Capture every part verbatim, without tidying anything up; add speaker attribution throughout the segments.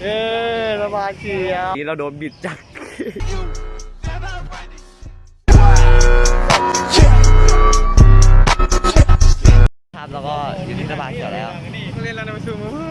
Speaker 1: เย้สบายเขียวนี่เราโดนบิดจักครับแล้วก็อยู่ที่สบายเขียวแล้วเล่นแล้วนะมาชูมือ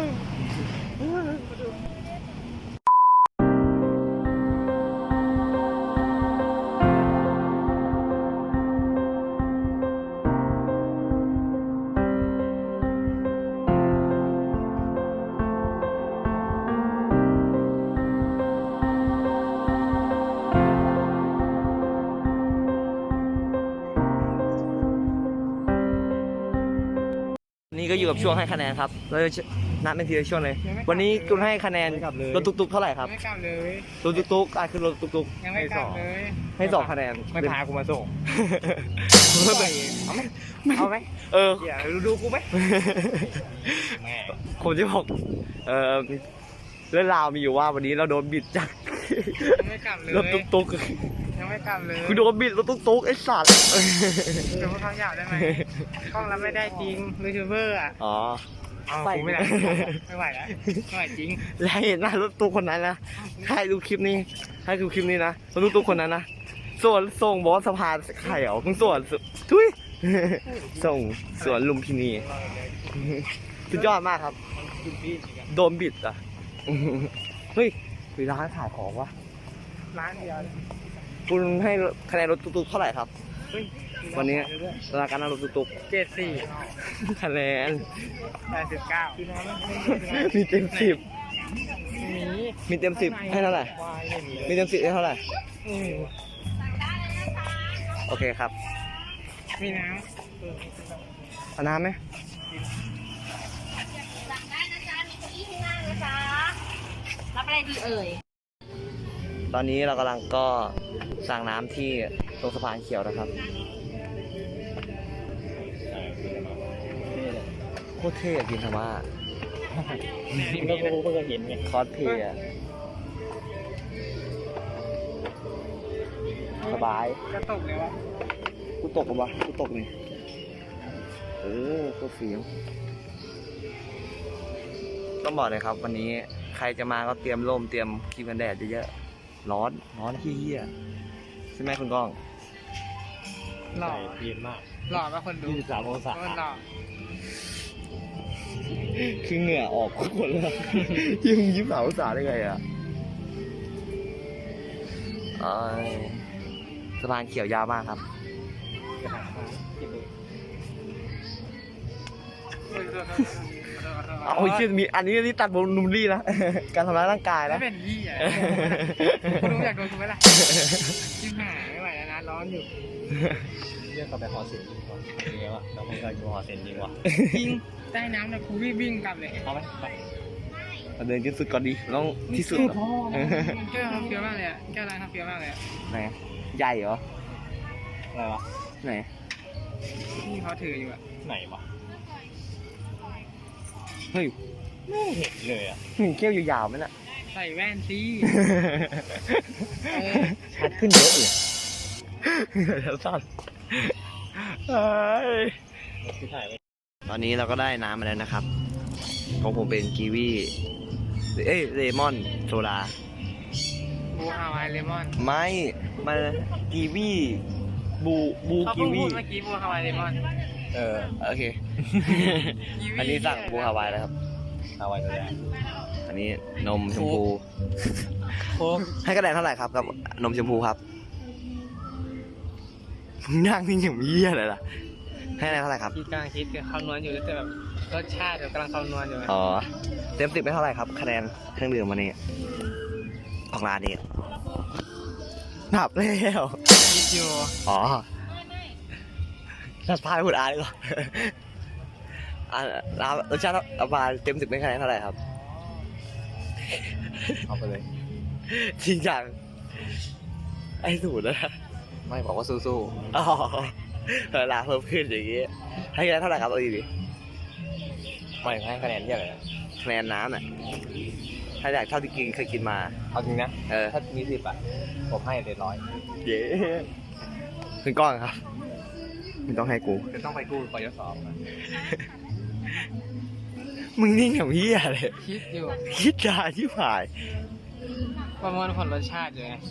Speaker 1: นี่ก็อยู่กับช่วงให้คะแนนครับเราจะนับเป็นทีละช่วงเลยวันนี้คุณให้คะแนนรถตุ๊กๆเท่าไหร่ครับไม่กลับเลยรถตุ๊กๆอ่ะคือรถตุ๊กๆยังไม่กลับเลยให้สองคะแนนไม่พากูมาส่งเอาไหมเอาไหมเออดูดูกูไหมผมจะบอกเออเรื่องราวมีอยู่ว่าวันนี้เราโดนบิดจากรถตุ๊กๆยังไม่กลับเลยกูโดนบิดรถตุ๊กๆไอ้สัตว์เดี๋ยวเขาอยากได้ไหมกล้องรับไม่ได้จริงยูทูบเบอร์อ่ะอ๋อใส่ไม่ได้ไม่ไหวแล้วไม่ไหวจริงแล้วเห็นหน้ารถตุ๊กคนนั้นนะให้ดูคลิปนี้ให้ดูคลิปนี้นะรถตุ๊กคนนั้นนะส่วนส่งบอสสะพานไข่เหรอมึงส่วนทุยส่งสวนลุมพินีสุดยอดมากครับโดนบิดอ่ะเฮ้ยมีร้านขายของวะร้านเดียวคุณให้คะแนนรถตุ๊กๆเท่าไหร่ครับวันนี้ราคาการรถตุ๊กๆเจ็ดสี่คะแนนแปดสิบเก้ามีเต็มสิบมีมีเต็มสิบให้เท่าไหร่มีเต็มสิบให้เท่าไหร่โอเคครับมีน้ำเอาน้ำไหมสั่งได้นะจ๊ะมีเก้าอี้ข้างล่างนะจ๊ะรับอะไรดีเอ่ยตอนนี้เรากำลังก็สั่งน้ำที่ตรงสะพานเขียวนะครับโคตรเท่กินธรรมะนี่ก็กูเพิ่งเห็นไงคอสเพย์อะสบายจะตกเลยวะกูตกปะวะกูตกนี่เออโคตรเฟี้ยวต้องบอกเลยครับวันนี้ใครจะมาก็เตรียมร่มเตรียมครีมกันแดดเยอะๆร้อนร้อนเหี้ยใช่ไหมคุณก้องหล่อเย็นมากหล่อมากคนดูยี่สิบสามองศาหล่อคือเหงื่อออกทุกคนเลยยิ่งยี่สิบสามองศาได้ไงอ่ะสะพานเขียวยาวมากครับเอาเชื่อมีอันนี้นี่ตัดบนนุ่มลี่นะการทำร้ายร่างกายนะไม่เป็นยี่อ่ะคุณรู้อยากโดนคุณไหมล่ะชิบหายไม่ไหวแล้วนะร้อนอยู่เรื่องกับแบบหอเซนจริงวะจริงวะเราไม่เคยดูหอเซนจริงวะจริงใต้น้ำนะกูวิ่งวิ่งกลับเลยเอาไหมไปเดินที่สุดก่อนดีต้องที่สุดแก้วเฟี้ยวมากเลยอ่ะแก้วร้านเขาเฟี้ยวมากเลยไหนใหญ่เหรออะไรวะไหนนี่เขาถืออยู่อ่ะไหนวะเฮ้ยไม่เห็นเลยอ่ะมีแก้วยาวๆไหมน่ะใส่แว่นสิชัดขึ้นเยอะเลยแล้วสั้นตอนนี้เราก็ได้น้ำมาแล้วนะครับของผมเป็นกีวีเอ้ยเลมอนโซดาบูฮาวายเลมอนไม่มากีวีบูบูกีวีเมื่อกี้บูฮาวายเลมอนเออโอเคอันนี้สั่งบูฮาวายแล้วครับฮาวายโซดาอันนี้นมชมพูให้คะแนนเท่าไหร่ครับกับนมชมพูครับนั่งนี่อย่างเยี่ยเลยล่ะให้อะไรเท่าไหร่ครับคิดกลางคิดกับข้าวนวลอยู่แต่แบบรสชาติแบบกำลังข้าวนวลอยู่อ๋อเต็มสิบไม่เท่าไหร่ครับคะแนนเครื่องดื่มวันนี้ของร้านนี้นับแล้วคิดอยู่อ๋อนัดพายพูดอ่านดีกว่าอ่ารสชาติอาบานเต็มสิบไม่คะแนนเท่าไหร่ครับเอาไปเลยจริงจังไอ้สูตรนะไม่บอกว่าสู้ๆอ๋อเวลาเพิ่มขึ้นอย่างนี้ให้คะแนนเท่าไหร่ครับเอาดีดิไม่ให้คะแนนเยอะเลยคะแนนน้ำน่ะถ้าอยากเท่าที่กินเคยกินมาเอาจริงนะเออถ้ามีสิบอ่ะผมให้เลยร้อยเย้ขึ้นก้อนครับไม่ต้องให้กูจะต้องไปกู้ปยศมึงนิ่งอย่างพี่อะไร
Speaker 2: คิดอยู่
Speaker 1: คิดดาที่ผ่าย
Speaker 2: ประมวลผลรสชาติอยู่ไง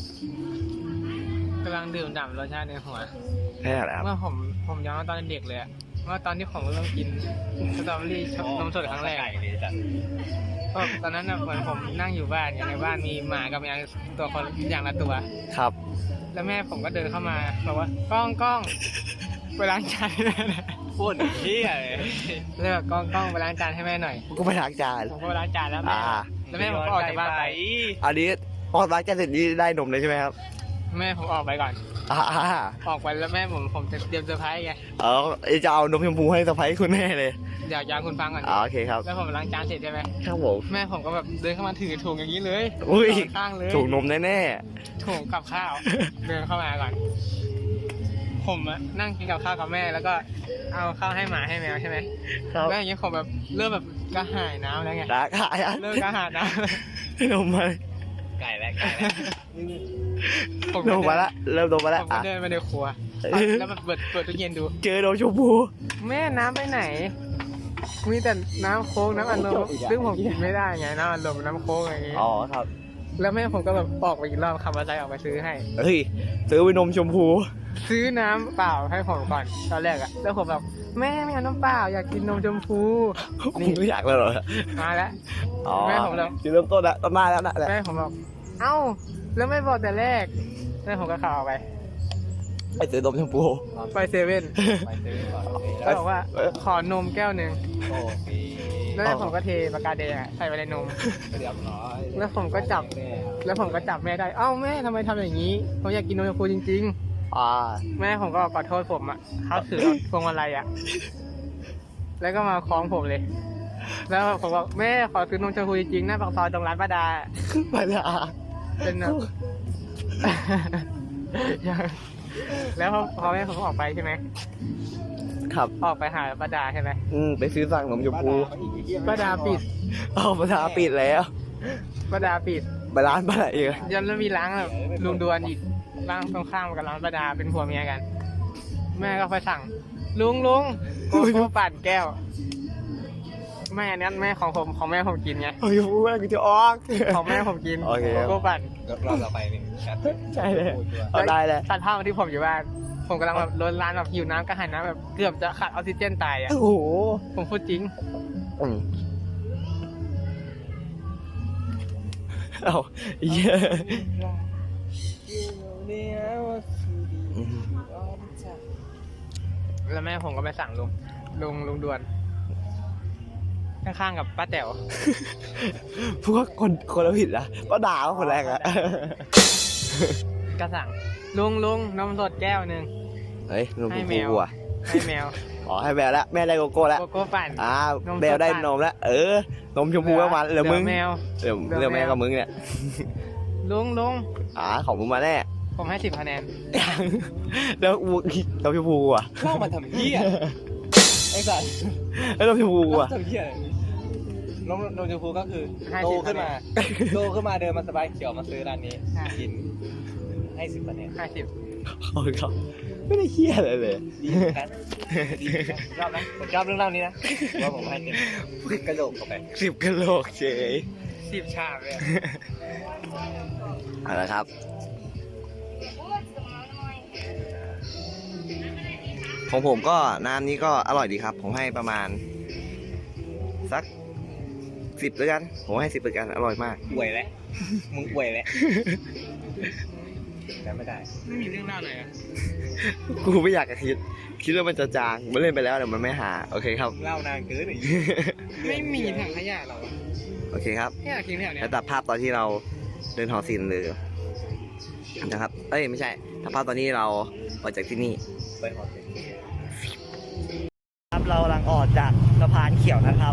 Speaker 2: กำลังดื่มด่ำรสชาติในหัว
Speaker 1: แค่ไหนครับ
Speaker 2: เมื่อผมผมย้อนตอนเด็กเลยอะเมื่อตอนที่ผมเริ่มกินสตรอเบอรี่นมสดครั้งแรกก็ตอนนั้นน่ะเหมือนผมนั่งอยู่บ้านอย่างในบ้านมีหมากับแมวตัวคนอย่างละตัว
Speaker 1: ครับ
Speaker 2: แล้วแม่ผมก็เดินเข้ามาบอกว่าก้องก้องไปล้างจานให้แม่หน่อย
Speaker 1: พูดที่อะไร
Speaker 2: เลยแบบก้องก้องไปล้างจานให้แม่หน่อย
Speaker 1: กูไปล้างจาน
Speaker 2: ผมก็ไปล้างจานแล้วแม่
Speaker 1: อ่า
Speaker 2: แล้วแม่ผมก็ออกจากบ้านไป
Speaker 1: อันนี้พอล้างจานเสร็จนี่ได้นมเลยใช่ไหมครับ
Speaker 2: แม่ผมออกไปก่อน
Speaker 1: อ่า
Speaker 2: ออกไปแล้วแม่ผมผมจะเตรียมเซอร์ไพรส์ไง
Speaker 1: เออจะเอานมชมพูให้สะพ้ายคุณแม่เลย
Speaker 2: เดี๋ยวยางคุณฟังก่อน
Speaker 1: อ่าโอเคครับ
Speaker 2: แล้วผมล้างจานเสร็จใช่ไหม
Speaker 1: ครับผม
Speaker 2: แม่ผมก็แบบเดินเข้ามาถือถุงอย่างนี้เลย
Speaker 1: อุ้ย
Speaker 2: ข้างๆเลย
Speaker 1: ถูกนมแน่
Speaker 2: ถุงกับข้าว เดินเข้ามาก่อน ผมอะนั่งกินกับข้าวกับแม่แล้วก็เอาข้าวให้หมาให้แมวใช่ไหม
Speaker 1: ๆครับ
Speaker 2: แล้วอย่างเงี้ยผมแบบเริ่มแบบกระหายน้ำแล้วไง
Speaker 1: รักอ่ะ
Speaker 2: เริ่มกระหายน้
Speaker 1: นมมา
Speaker 2: ำไก่แล้วไก่แล้วผม
Speaker 1: นมมาละเริ่มนมมาละ
Speaker 2: ผมก็
Speaker 1: อ่ะ
Speaker 2: เดินไปในครัว แล้วแบบเปิดเปิดตู้เย็นดู
Speaker 1: เจอนมชมพู
Speaker 2: แม่น้ำไปไหน มีแต่น้ำโค้กน้ำอัดลมซึ่งผมกินไม่ได้ไงน้ำอัดลมน้ำโค้กอะไรอย่างงี้
Speaker 1: อ๋อครับ
Speaker 2: แล้วแม่ผมก็แบบออกไปอีกรอบขับมอเตอร์ไซค์ออกไปซื้อให้
Speaker 1: เฮ้ยซื้อไปนมชมพู
Speaker 2: ซื้อน้ำเปล่าให้ผมก่อนตอนแรกอะแล้วผมแบบแม่ไม่เอาน้ำเปล่าอยากกินนมชมพู
Speaker 1: นี่ไม่อยากแล้วเหรอ
Speaker 2: มาแล้ว
Speaker 1: อ๋อ
Speaker 2: แม่ผมแล้ว
Speaker 1: จุดเริ่มต้นละต้นมาแล้วนะแหละ
Speaker 2: แม่ผมบอกเอ้าแล้วไม่บอกแต่แรกแม่ผมก็ขับออกไป
Speaker 1: ไปซื้อนมชมพู
Speaker 2: ไปเซเว่น
Speaker 3: ไปซื้อก่อน
Speaker 2: แล้วบอกว่าขอนมแก้วหนึ่ง
Speaker 3: โอเค
Speaker 2: แล้วแม่ผมก็เทปากกาแดงอะใส่ไปในนม
Speaker 3: เรียบร้อย
Speaker 2: แล้วผมก็จับ แล้วผมก็จับแม่ได้ เอ้าแม่ทำไมทำอย่างนี้ ผมอยากกินนมชมพูจริง
Speaker 1: อ่า
Speaker 2: ๆ แม่ผมก็ขอโทษผมอ่ะเขาถือพวงมาลัยอ่ะ แล้วก็มาคล้องผมเลย แล้วผมบอกแม่ขอซื้อนมชมพูจริงๆหน้าปากซอยตรงร้านป้าดา
Speaker 1: ไปละ
Speaker 2: เป็นแบบ แล้วพอพอแม่ผมออกไปใช่ไหม
Speaker 1: ครับ
Speaker 2: ออกไปหาป้าดาใช่ไหม
Speaker 1: อืมไปซื้อสั่งนมชมพู
Speaker 2: ป้าดาปิด
Speaker 1: อ๋อภาษาปิดแล้ว
Speaker 2: ป้าดาปิด
Speaker 1: ไปร้านป้าไหนอีก
Speaker 2: ยันแล้วมีร้านแบบลุงดวนอีกร้านตรงข้ามกับร้านป้าดาเป็นผัวเมียกัน แม่ก็ไปสั่ง ลุงลุงโกโก้ปั่นแก้ว แม่อันนั้นแม่ของผมของแม่ผมกินไง
Speaker 1: โอ้ยพูดว่ากูจะออก
Speaker 2: ของแม่ผมกิน
Speaker 1: โอเค
Speaker 2: โกโก้ปั่น
Speaker 3: รอบต่อไปนี่แชท
Speaker 1: ใช่เลยเอาได้เลย
Speaker 2: ตัดภาพมาที่ผมอยู่บ้าน ผมกำลังแบบล้นร้านแบบหิวน้ำกระหายน้ำแบบเกือบจะขาดออกซิเจนตายอ่ะ
Speaker 1: โอ้โห
Speaker 2: ผมพูดจริง
Speaker 1: อืมเอาเยอะอืม
Speaker 2: แล้วแม่ผมก็ไปสั่งลุงลุงลุงดวนข้างๆกับป้าแต๋ว
Speaker 1: พวกคนคนละผิดนะป้าด่าว่าคนแรกอะ
Speaker 2: ก็สั่งลุงลุงนมสดแก้วหนึ่ง
Speaker 1: เฮ้ยนมช
Speaker 2: ให้
Speaker 1: ม
Speaker 2: แม
Speaker 1: พู
Speaker 2: ว
Speaker 1: อ่ะ
Speaker 2: ให้แมว
Speaker 1: อ๋อให้แมวแล้วแม่ได้โกโก้แล้ว
Speaker 2: โกโก้ปั่น
Speaker 1: อ่าน
Speaker 2: ม
Speaker 1: แมวได้
Speaker 2: สดปั่น
Speaker 1: นมแล้วเออนมชมพูก็มาเหลือมึง
Speaker 2: แมว
Speaker 1: เหลือ
Speaker 2: เหลือ
Speaker 1: เหลือแม่
Speaker 2: แมว
Speaker 1: กับมึงเนี่ย
Speaker 2: ลุงลุง
Speaker 1: อ่าของมึงมาแน่
Speaker 2: ผมให้สิบคะแนน
Speaker 1: แล้วอูนมชมพูอ่ะ
Speaker 3: เข้ามาทำเหี้ยไอ้สัส
Speaker 1: แล้วนมชมพูอ่ะ
Speaker 3: ทำเหี้ยนมนมชมพูก็คือ
Speaker 2: ให้
Speaker 3: โต
Speaker 2: สิบ
Speaker 3: ขึ้นมา
Speaker 2: คะแน
Speaker 3: โตขึ้นมาเดินมาสบายเขียวมาซื้อร้านนี้
Speaker 2: ใช่
Speaker 3: กินให้สิบคะแนน
Speaker 2: ให้สิบ
Speaker 1: ขอบคุณครับไม่ได้เฮี้ยอะไรเลย
Speaker 3: ดีเหมือนกันดีเหมือนกันรอบนะผมชอบเรื่องเล่านี้นะว่าผมให้เต็มกระโดดเข้าไป
Speaker 1: สิบกะโหลกเฉย
Speaker 2: สิบชามเลยอะ
Speaker 1: เอาละครับ ของผมก็น้ำนี้ก็อร่อยดีครับ ผมให้ประมาณ สักสิบแล้วกัน ผมให้สิบแล้วกัน อร่อยมาก
Speaker 3: ป่วยแล้วมึงป่วยแล้วแล้วไม่ได้
Speaker 2: ไม่มีเรื่องเล่าเลยอะ
Speaker 1: กูไม่อยากจะคิด คิดว่ามันจะจางมันเล่นไปแล้วเดี๋ยวมันไม่หา โอเคครับ
Speaker 3: เล่านานเกินอีก
Speaker 2: ไม่มีถังขยะหรอ
Speaker 1: โอเคครับ
Speaker 2: ไม่อยากกินแถวเนี้ย
Speaker 1: แล้วตัดภาพตอนที่เราเดินหอศิลป์เลยนะครับ เอ้ยไม่ใช่ตัดภาพตอนนี้เราออกจากที่นี่
Speaker 3: ไปหอเซ็น
Speaker 1: ครับเรากำลังออกจากสะพานเขียวนะครับ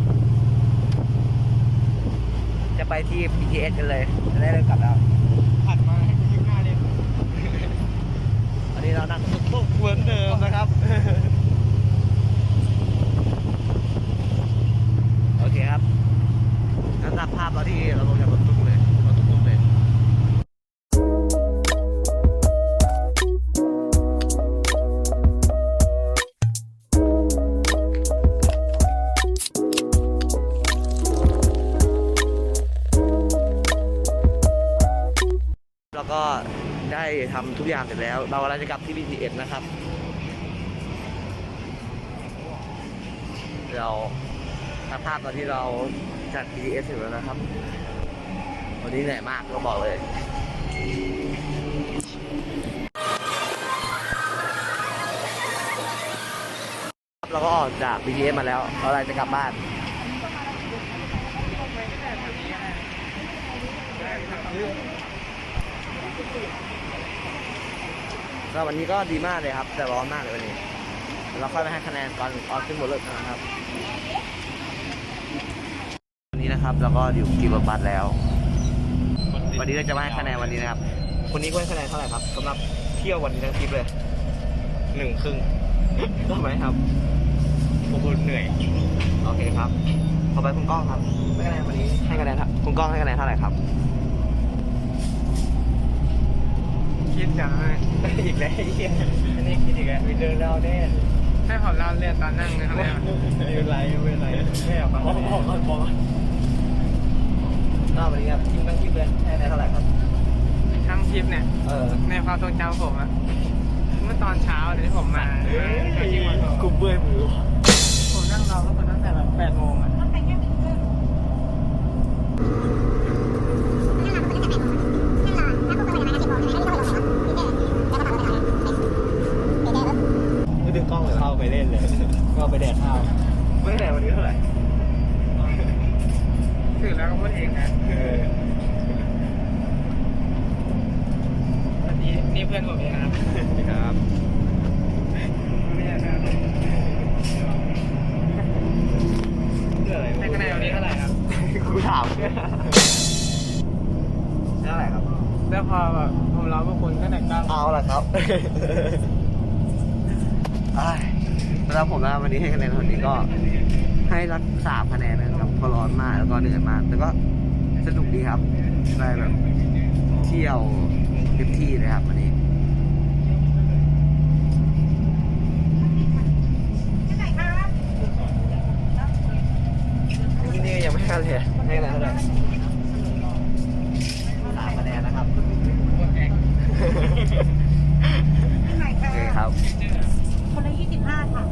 Speaker 1: จะไปที่ บี ที เอส กันเลยจะได้เริ่มกลับแล้ว
Speaker 2: ถัดมาให้กูยิ้มหน้าเลย
Speaker 1: อันนี้เรานั่งตุ๊กๆเหมือนเดิมนะครับ โอเคครับงั้นตัดภาพตอนที่เราลงจากรถตุ๊กเลยรถตุ๊กๆเลยเราก็ได้ทำทุกอย่างเสร็จแล้ว เรากำลังจะกลับที่ บี ที เอส นะครับ เราสภาพตอนที่เราจัด บี ที เอส เสร็จแล้วนะครับ วันนี้เหนื่อยมากก็บอกเลยเราก็ออกจาก บี ที เอส มาแล้วเราอะไรจะกลับบ้านสำหรับวันนี้ก็ดีมากเลยครับ แต่ร้อนมากเลยวันนี้เราค่อยไปให้คะแนนตอนออนขึ้นบนรถนะครับวันนี้นะครับเราก็อยู่กี่รถบัสแล้ว วันนี้เราจะมาให้คะแนนวันนี้นะครับคนนี้ก็ให้คะแนนเท่าไหร่ครับสำหรับเที่ยววันนี้ทั้งทริปเลยหนึ่งครึ่งได้ไหมครับผมเหนื่อยโอเคครับต่อไปคุณก้องครับให้คะแนนวันนี้ให้คะแนนครับคุณก้องให้คะแนนเท่าไหร่ครับ
Speaker 2: คิดจังเลย
Speaker 1: อีกแล้วอีก
Speaker 3: อันนี้คิดอีกแล้วมีเดินเล่าแน่
Speaker 2: ให้ผมเล่าเรื่องตอนนั่งนะครับเนี่ย
Speaker 3: ไม่เป็นไรไม่เป็นไรไม่เอาบอกบอกก่อนบอกก่อน
Speaker 1: นอกวันนี้ครับทิ้งทั้งทริปเลยให้คะแนนเท่าไหร่ครับ
Speaker 2: ทั้งทริปเนี่ย
Speaker 1: เออ
Speaker 2: ในความทรงจำผมอะเมื่อตอนเช้าเดี๋ยวที่ผมมาที่วัน
Speaker 3: กูเบื่อมือ
Speaker 2: ผมนั่งรอก็ตั้งแต่แบบแปดโมงอะ
Speaker 1: ไม่ดึงกล้องเลย
Speaker 3: เข้าไปเล่นเลยก็ไปแดกข้าว
Speaker 1: ไม่ได้วันนี้เท่าไหร่
Speaker 2: ถือแล้วก็พูดเองนะ
Speaker 3: เออ
Speaker 2: อันนี้นี่เพื่อนผมเองนะครับ
Speaker 3: ครับ
Speaker 1: เรื่องอะไร
Speaker 2: ให้คะแนนวันนี้เท่าไหร่ครับ
Speaker 1: กูถามเท่าไหร่ครับ
Speaker 2: แล้วพอแบบผมรอพวกคุณก็แต่ก็
Speaker 1: เอาละครับอ้ายสำหรับผมนะวันนี้ให้คะแนนวันนี้ก็ให้รักสามคะแนนนะครับเพราะร้อนมากแล้วก็เหนื่อยมากแต่ก็สนุกดีครับได้แบบเที่ยวเต็มที่เลยครับวันนี้ที่นี่ยังไม่ให้เลยให้คะแนนเท่าไหร่สามคะแนนนะครับ โอเคครับ
Speaker 4: คนละยี่สิบห้าค่ะ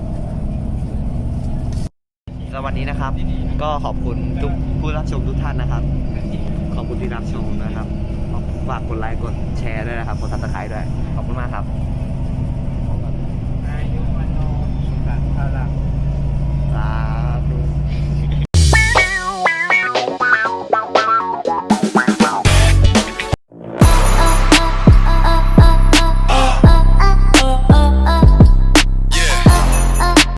Speaker 1: แล้ววันนี้นะครับ ก็ขอบคุณทุกผู้รับชมทุกท่านนะครับ ขอบคุณที่รับชมนะครับฝากกดไลค์กดแชร์ด้วยนะครับกดซับสไครต์ด้วย ขอบคุณมากครับ
Speaker 2: อายุวันโนสุขังพลัง